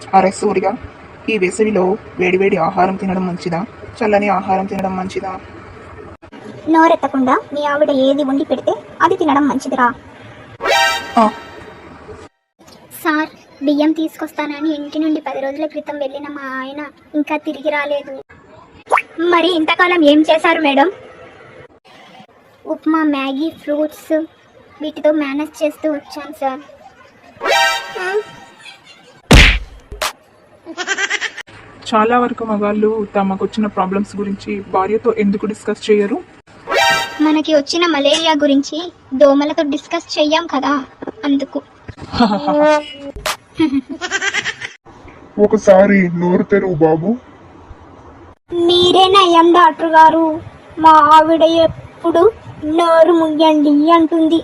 అరే సూర్య, ఈ వేసవిలో వేడివేడి ఆహారం తినడం మంచిదా, చల్లని ఆహారం తినడం మంచిదా? నోరెత్తకుండా మీ ఆవిడ ఏది వండి పెడితే అది తినడం మంచిదిరా. ఆ, సార్, బియ్యం తీసుకొస్తానని ఇంటి నుండి 10 రోజుల క్రితం వెళ్ళిన మా ఆయన ఇంకా తిరిగి రాలేదు. మరి ఇంతకాలం ఏం చేశారు మేడం? ఉప్మా, మ్యాగీ, ఫ్రూట్స్ వీటితో మేనేజ్ చేస్తూ వచ్చాను సార్. చాలా వరకు మగాళ్ళు తమకొచ్చిన ప్రాబ్లమ్స్ గురించి భార్యతో ఎందుకు డిస్కస్ చేయరు? మనకి వచ్చిన మలేరియా గురించి దోమలతో డిస్కస్ చెయ్యాం కదా, అందుకు. ఒకసారి నోరు తెరువు బాబు. మీరేనయ్యం డాక్టర్ గారు, మా ఆవిడ ఎప్పుడు నోరు ముయ్యండి అంటుంది.